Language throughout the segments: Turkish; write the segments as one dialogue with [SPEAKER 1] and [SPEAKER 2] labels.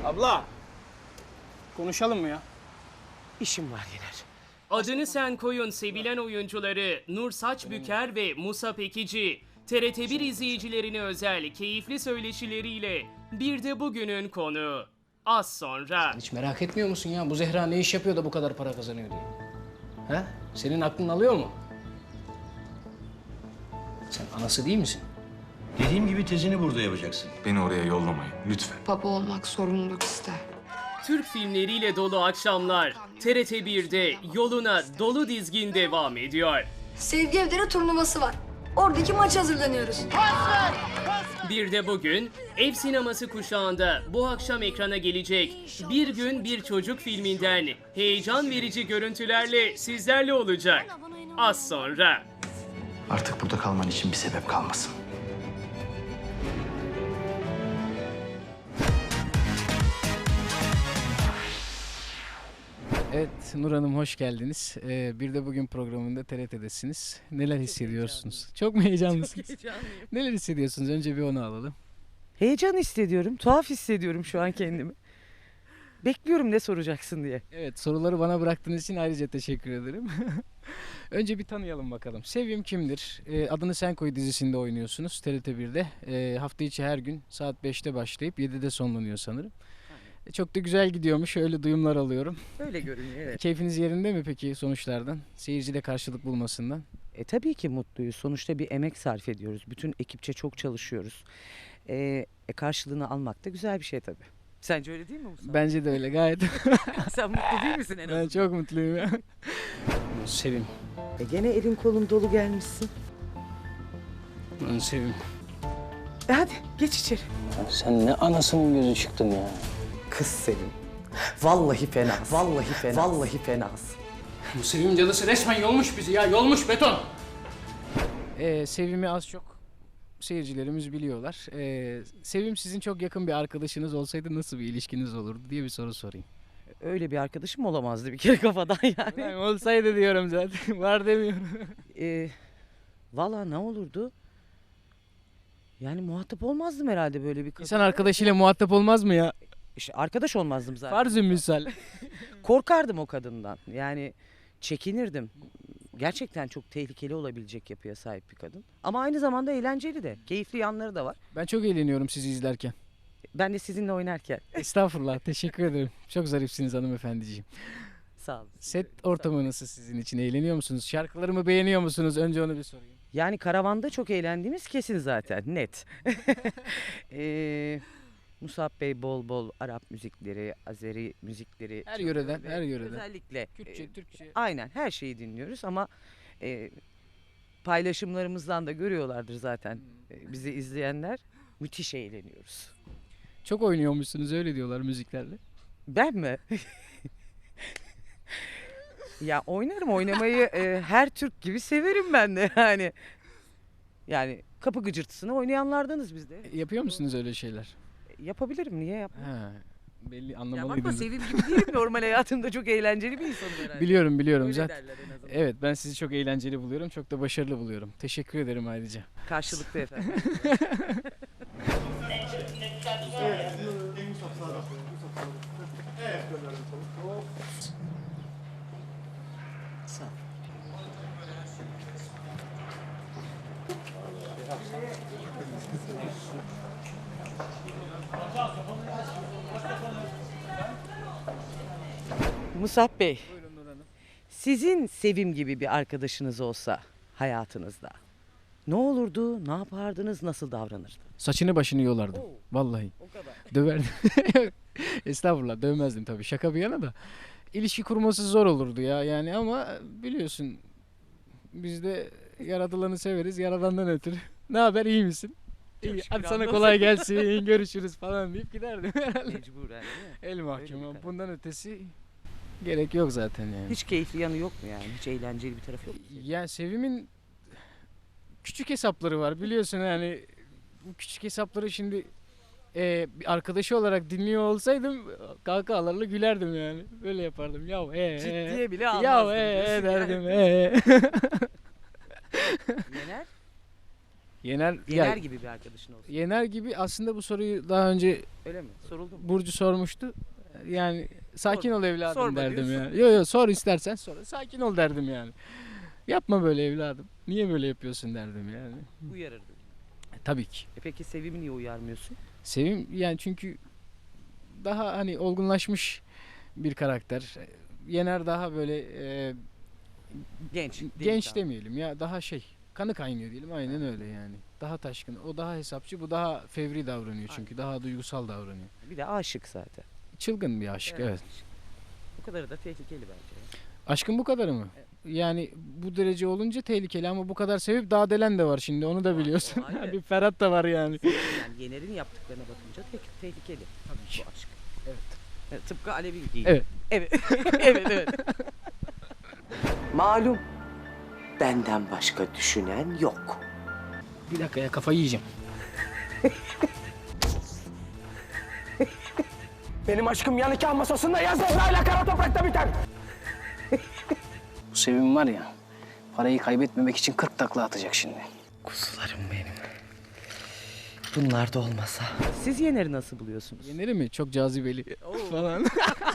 [SPEAKER 1] Abla. Konuşalım mı ya?
[SPEAKER 2] İşim var Yener.
[SPEAKER 3] Adını Sen Koy'un sevilen oyuncuları Nur Saçbüker ve Musa Pekici, TRT1 izleyicilerine özel keyifli söyleşileriyle bir de bugünün konu. Az sonra.
[SPEAKER 4] Hiç merak etmiyor musun ya? Bu Zehra ne iş yapıyor da bu kadar para kazanıyor diye? Ha? Senin aklın alıyor mu? Sen anası değil misin?
[SPEAKER 5] Dediğim gibi tezini burada yapacaksın.
[SPEAKER 6] Beni oraya yollamayın lütfen.
[SPEAKER 7] Baba olmak sorumluluk ister.
[SPEAKER 3] Türk filmleriyle dolu akşamlar TRT1'de yoluna dolu dizgin devam ediyor.
[SPEAKER 8] Sevgi Evleri turnuvası var. Oradaki maça hazırlanıyoruz.
[SPEAKER 3] Bir de bugün ev sineması kuşağında bu akşam ekrana gelecek Bir Gün Bir Çocuk filminden heyecan verici görüntülerle sizlerle olacak. Az sonra.
[SPEAKER 5] Artık burada kalman için bir sebep kalmasın.
[SPEAKER 4] Evet Nur Hanım hoş geldiniz. Bir de bugün programında TRT'desiniz. Neler hissediyorsunuz? Çok mu heyecanlısınız?
[SPEAKER 2] Heyecanlıyım.
[SPEAKER 4] Neler hissediyorsunuz? Önce bir onu alalım.
[SPEAKER 2] Heyecan hissediyorum. Tuhaf hissediyorum şu an kendimi. Bekliyorum ne soracaksın diye.
[SPEAKER 4] Evet soruları bana bıraktığınız için ayrıca teşekkür ederim. Önce bir tanıyalım bakalım. Sevim kimdir? Adını Sen Koy dizisinde oynuyorsunuz TRT1'de. Hafta içi her gün saat 5'te başlayıp 7'de sonlanıyor sanırım. Çok da güzel gidiyormuş. Öyle duyumlar alıyorum.
[SPEAKER 2] Öyle görünüyor evet.
[SPEAKER 4] Keyfiniz yerinde mi peki sonuçlardan? Seyircide karşılık bulmasından.
[SPEAKER 2] Tabii ki mutluyuz. Sonuçta bir emek sarf ediyoruz. Bütün ekipçe çok çalışıyoruz. Karşılığını almak da güzel bir şey tabii. Sence öyle değil mi Musa?
[SPEAKER 4] Bence de öyle gayet.
[SPEAKER 2] Sen mutlu değil misin en azından?
[SPEAKER 4] Ben çok mutluyum ya. Sevim.
[SPEAKER 2] Gene elin kolun dolu gelmişsin.
[SPEAKER 4] Ben Sevim.
[SPEAKER 2] Hadi geç içeri.
[SPEAKER 4] Sen ne anasının gözü çıktın ya.
[SPEAKER 2] Kız Sevim. Vallahi fena. Vallahi fena. Vallahi fenasın.
[SPEAKER 4] Bu Sevim cadısı resmen yolmuş bizi ya. Yolmuş beton. Sevim'i az çok seyircilerimiz biliyorlar. Sevim sizin çok yakın bir arkadaşınız olsaydı nasıl bir ilişkiniz olurdu diye bir soru sorayım.
[SPEAKER 2] Öyle bir arkadaşım olamazdı bir kere kafadan yani.
[SPEAKER 4] Ben olsaydı diyorum zaten. Var demiyorum.
[SPEAKER 2] Valla ne olurdu? Yani muhatap olmazdım herhalde böyle bir kadın.
[SPEAKER 4] İnsan arkadaşıyla muhatap olmaz mı ya?
[SPEAKER 2] İşte arkadaş olmazdım zaten.
[SPEAKER 4] Farz-ı misal.
[SPEAKER 2] Korkardım o kadından. Yani çekinirdim. Gerçekten çok tehlikeli olabilecek yapıya sahip bir kadın. Ama aynı zamanda eğlenceli de. Keyifli yanları da var.
[SPEAKER 4] Ben çok eğleniyorum sizi izlerken.
[SPEAKER 2] Ben de sizinle oynarken.
[SPEAKER 4] Estağfurullah. Teşekkür ederim. Çok zarifsiniz hanımefendiciğim.
[SPEAKER 2] Sağ olun.
[SPEAKER 4] Set ortamı nasıl sizin için? Eğleniyor musunuz? Şarkılarımı beğeniyor musunuz? Önce onu bir sorayım.
[SPEAKER 2] Yani karavanda çok eğlendiğimiz kesin zaten. Net. Musab Bey bol bol Arap müzikleri, Azeri müzikleri.
[SPEAKER 4] Her
[SPEAKER 2] çalıyor
[SPEAKER 4] yöreden,
[SPEAKER 2] ve
[SPEAKER 4] her yöreden.
[SPEAKER 2] Özellikle.
[SPEAKER 4] Kürtçe, Türkçe.
[SPEAKER 2] Aynen her şeyi dinliyoruz ama paylaşımlarımızdan da görüyorlardır zaten bizi izleyenler. Müthiş eğleniyoruz.
[SPEAKER 4] Çok oynuyormuşsunuz öyle diyorlar müziklerle.
[SPEAKER 2] Ben mi? Ya oynarım oynamayı her Türk gibi severim ben de yani. Yani kapı gıcırtısını oynayanlardanız biz de.
[SPEAKER 4] Yapıyor musunuz öyle şeyler?
[SPEAKER 2] Yapabilirim niye yapmam?
[SPEAKER 4] Ha, belli
[SPEAKER 2] Ya bakma
[SPEAKER 4] anlamalıydınız.
[SPEAKER 2] Sevim gibi değilim normal hayatımda çok eğlenceli bir insanım herhalde.
[SPEAKER 4] Biliyorum
[SPEAKER 2] Öyle
[SPEAKER 4] zaten.
[SPEAKER 2] derler en azından.
[SPEAKER 4] Evet ben sizi çok eğlenceli buluyorum. Çok da başarılı buluyorum. Teşekkür ederim ayrıca.
[SPEAKER 2] Karşılıklı efendim. Sağ ol. Musab Bey, sizin Sevim gibi bir arkadaşınız olsa hayatınızda ne olurdu, ne yapardınız, nasıl davranırdı?
[SPEAKER 4] Saçını başını yolardım. Vallahi.
[SPEAKER 2] O kadar.
[SPEAKER 4] Döverdim. Estağfurullah dövmezdim tabii. Şaka bir yana da. İlişki kurması zor olurdu ya yani ama biliyorsun biz de yaratılanı severiz yaradandan ötürü. Ne haber iyi misin? İyi.
[SPEAKER 2] şükür,
[SPEAKER 4] Hadi sana
[SPEAKER 2] hamdolsun.
[SPEAKER 4] kolay gelsin görüşürüz falan deyip giderdim herhalde.
[SPEAKER 2] Mecburen değil mi?
[SPEAKER 4] El mahkum
[SPEAKER 2] Öyle
[SPEAKER 4] ama
[SPEAKER 2] bir
[SPEAKER 4] bundan ötesi gerek yok zaten yani.
[SPEAKER 2] Hiç keyifli yanı yok mu yani? Hiç eğlenceli bir tarafı yok mu?
[SPEAKER 4] Ya Sevim'in küçük hesapları var biliyorsun yani bu küçük hesapları şimdi bir arkadaşı olarak dinliyor olsaydım kahkahalarla gülerdim yani. Böyle yapardım.
[SPEAKER 2] Ciddiye bile
[SPEAKER 4] Ya
[SPEAKER 2] almazdım diyorsun
[SPEAKER 4] derdim.
[SPEAKER 2] yani. Neler?
[SPEAKER 4] Yener,
[SPEAKER 2] Yener gibi bir arkadaşın olsun.
[SPEAKER 4] Yener gibi aslında bu soruyu daha önce
[SPEAKER 2] Öyle mi? Soruldu mu?
[SPEAKER 4] Burcu sormuştu. Yani sakin
[SPEAKER 2] Sorma.
[SPEAKER 4] ol evladım
[SPEAKER 2] Sorma
[SPEAKER 4] derdim
[SPEAKER 2] diyorsun.
[SPEAKER 4] ya. Yo sor istersen sor. Sakin ol derdim yani. Yapma böyle evladım. Niye böyle yapıyorsun derdim yani.
[SPEAKER 2] Uyarırdı.
[SPEAKER 4] Tabii ki.
[SPEAKER 2] Peki Sevim'i niye uyarmıyorsun?
[SPEAKER 4] Sevim yani çünkü daha hani olgunlaşmış bir karakter. Yener daha böyle
[SPEAKER 2] Genç.
[SPEAKER 4] genç
[SPEAKER 2] delikanlı.
[SPEAKER 4] demeyelim ya, daha kanı kaynıyor diyelim, aynen öyle yani. Daha taşkın. O daha hesapçı, bu daha fevri davranıyor çünkü daha duygusal davranıyor.
[SPEAKER 2] Bir de aşık zaten.
[SPEAKER 4] Çılgın bir aşk, evet.
[SPEAKER 2] Bu kadarı da tehlikeli bence.
[SPEAKER 4] Aşkın bu kadarı mı? Yani bu derece olunca tehlikeli ama bu kadar sevip daha delen de var şimdi, onu da biliyorsun.
[SPEAKER 2] o ayrı.
[SPEAKER 4] Bir Ferhat da var yani.
[SPEAKER 2] Yani Yener'in yaptıklarına bakınca tehlikeli. Tabii ki. Bu aşk.
[SPEAKER 4] Evet.
[SPEAKER 2] Tıpkı Alevi gibi.
[SPEAKER 4] Evet.
[SPEAKER 2] Evet. evet. Malum. Benden başka düşünen yok.
[SPEAKER 4] Bir dakika ya, kafayı yiyeceğim.
[SPEAKER 1] Benim aşkım yan nikah masasında ya Zehra'yla kara toprakta biter.
[SPEAKER 9] Bu Sevim var ya, parayı kaybetmemek için 40 takla atacak şimdi.
[SPEAKER 2] Kuzularım benim. Bunlar da olmasa. Siz Yener'i nasıl buluyorsunuz?
[SPEAKER 4] Yener'i mi? Çok cazibeli falan.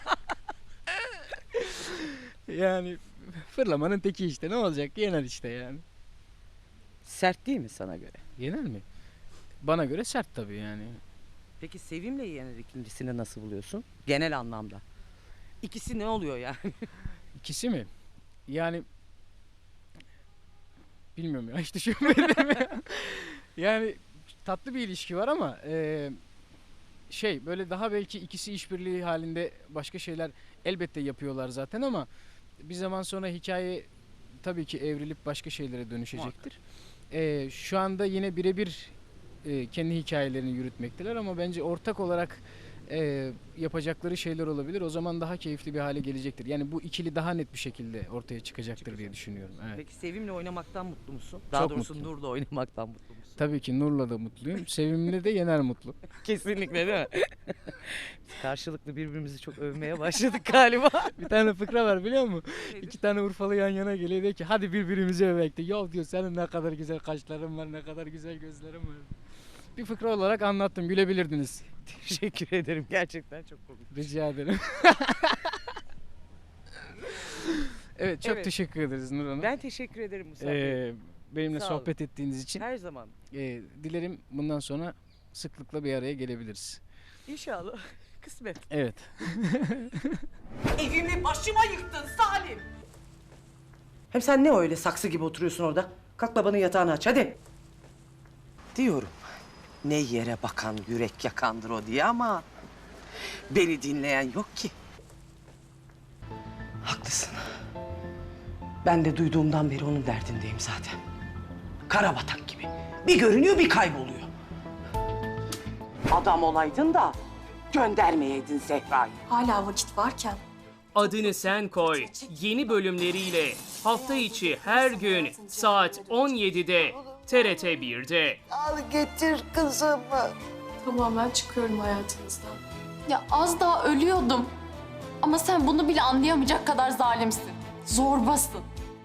[SPEAKER 4] Yani fırlamanın teki işte, ne olacak? Yener işte yani.
[SPEAKER 2] Sert değil mi sana göre?
[SPEAKER 4] Yener mi? Bana göre sert tabii yani.
[SPEAKER 2] Peki Sevim'le Yener ikincisini nasıl buluyorsun? Genel anlamda. İkisi ne oluyor yani?
[SPEAKER 4] İkisi mi? Yani bilmiyorum ya, hiç düşünmedim ya. Yani tatlı bir ilişki var ama böyle daha belki ikisi işbirliği halinde başka şeyler elbette yapıyorlar zaten ama bir zaman sonra hikaye tabii ki evrilip başka şeylere dönüşecektir. Şu anda yine birebir kendi hikayelerini yürütmekteler ama bence ortak olarak yapacakları şeyler olabilir. O zaman daha keyifli bir hale gelecektir. Yani bu ikili daha net bir şekilde ortaya çıkacaktır diye düşünüyorum. Evet.
[SPEAKER 2] Peki Sevim'le oynamaktan mutlu musun? Daha
[SPEAKER 4] Çok
[SPEAKER 2] doğrusu
[SPEAKER 4] mutluyum.
[SPEAKER 2] Nur'la oynamaktan mutlu musun?
[SPEAKER 4] Tabii ki Nur'la da mutluyum. Sevim'le de Yener mutlu.
[SPEAKER 2] Kesinlikle değil mi? Biz karşılıklı birbirimizi çok övmeye başladık galiba.
[SPEAKER 4] Bir tane fıkra var biliyor musun? İki tane Urfalı yan yana geliyor, diyor ki hadi birbirimizi övek de. Yok diyor, senin ne kadar güzel kaşların var, ne kadar güzel gözlerin var. Bir fıkra olarak anlattım, gülebilirdiniz.
[SPEAKER 2] Teşekkür ederim. Gerçekten çok komik.
[SPEAKER 4] Rica ederim. Evet, çok
[SPEAKER 2] Evet.
[SPEAKER 4] teşekkür ederiz Nur Hanım.
[SPEAKER 2] Ben teşekkür ederim Musa Bey.
[SPEAKER 4] Benimle
[SPEAKER 2] Sağ olun.
[SPEAKER 4] sohbet ettiğiniz için.
[SPEAKER 2] Her zaman.
[SPEAKER 4] Dilerim bundan sonra sıklıkla bir araya gelebiliriz.
[SPEAKER 2] İnşallah. Kısmet.
[SPEAKER 4] Evet.
[SPEAKER 2] Evimi başıma yıktın Salim. Hem sen ne öyle saksı gibi oturuyorsun orada? Kalk babanın yatağını aç hadi. Diyorum. Ne yere bakan yürek yakandır o diye ama beni dinleyen yok ki. Haklısın. Ben de duyduğumdan beri onun derdindeyim zaten. Karabatak gibi. Bir görünüyor bir kayboluyor. Adam olaydın da göndermeyeydin Zehra'yı.
[SPEAKER 8] Hala vakit varken.
[SPEAKER 3] Adını Sen Koy yeni bölümleriyle hafta içi her gün saat 17'de TRT 1'de.
[SPEAKER 10] Al getir kızımı.
[SPEAKER 11] Tamamen çıkıyorum hayatınızdan. Ya az daha ölüyordum. Ama sen bunu bile anlayamayacak kadar zalimsin. Zorbasın.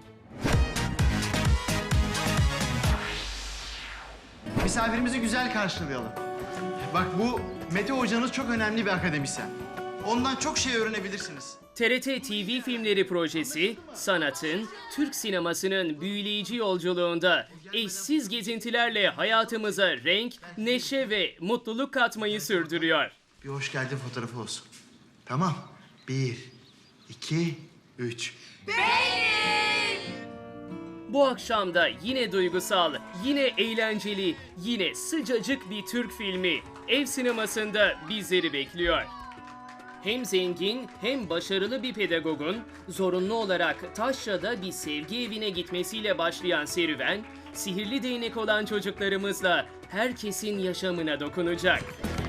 [SPEAKER 12] Misafirimizi güzel karşılayalım. Bak, bu Mete hocanız çok önemli bir akademisyen. Ondan çok şey öğrenebilirsiniz.
[SPEAKER 3] TRT TV Filmleri projesi, sanatın, Türk sinemasının büyüleyici yolculuğunda eşsiz gezintilerle hayatımıza renk, neşe ve mutluluk katmayı sürdürüyor.
[SPEAKER 12] Bir hoş geldin fotoğrafı olsun. Tamam. 1, 2, 3.
[SPEAKER 3] Bu akşam da yine duygusal, yine eğlenceli, yine sıcacık bir Türk filmi ev sinemasında bizleri bekliyor. Hem zengin hem başarılı bir pedagogun zorunlu olarak Taşra'da bir sevgi evine gitmesiyle başlayan serüven, sihirli değnek olan çocuklarımızla herkesin yaşamına dokunacak.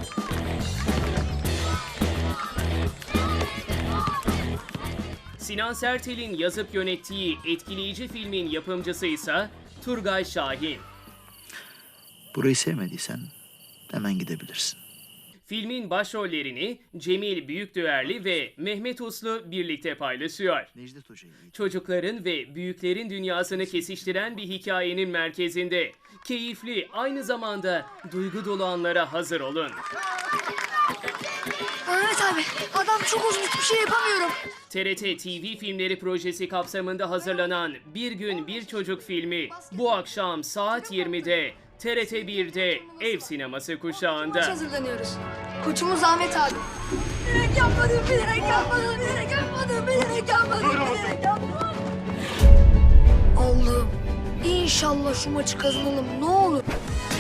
[SPEAKER 3] Sinan Sertel'in yazıp yönettiği etkileyici filmin yapımcısı ise Turgay Şahin.
[SPEAKER 5] Burayı sevmediysen hemen gidebilirsin.
[SPEAKER 3] Filmin başrollerini Cemil Büyükdüverli ve Mehmet Uslu birlikte paylaşıyor.
[SPEAKER 12] Necdet Hoca'yı.
[SPEAKER 3] Çocukların ve büyüklerin dünyasını kesiştiren bir hikayenin merkezinde keyifli, aynı zamanda duygu dolu anlara hazır olun.
[SPEAKER 8] Mehmet abi adam çok uzun, hiçbir şey yapamıyorum.
[SPEAKER 3] TRT TV Filmleri projesi kapsamında hazırlanan Bir Gün Bir Çocuk filmi bu akşam saat 20'de TRT 1'de Ev Sineması kuşağında.
[SPEAKER 8] Maç hazırlanıyoruz. Koçumuz Ahmet abi. Bilerek yapmadım, bilerek yapmadım, bilerek yapmadım, bilerek yapmadım, bilerek yapmadım. Allah'ım inşallah şu maçı kazanalım ne olur.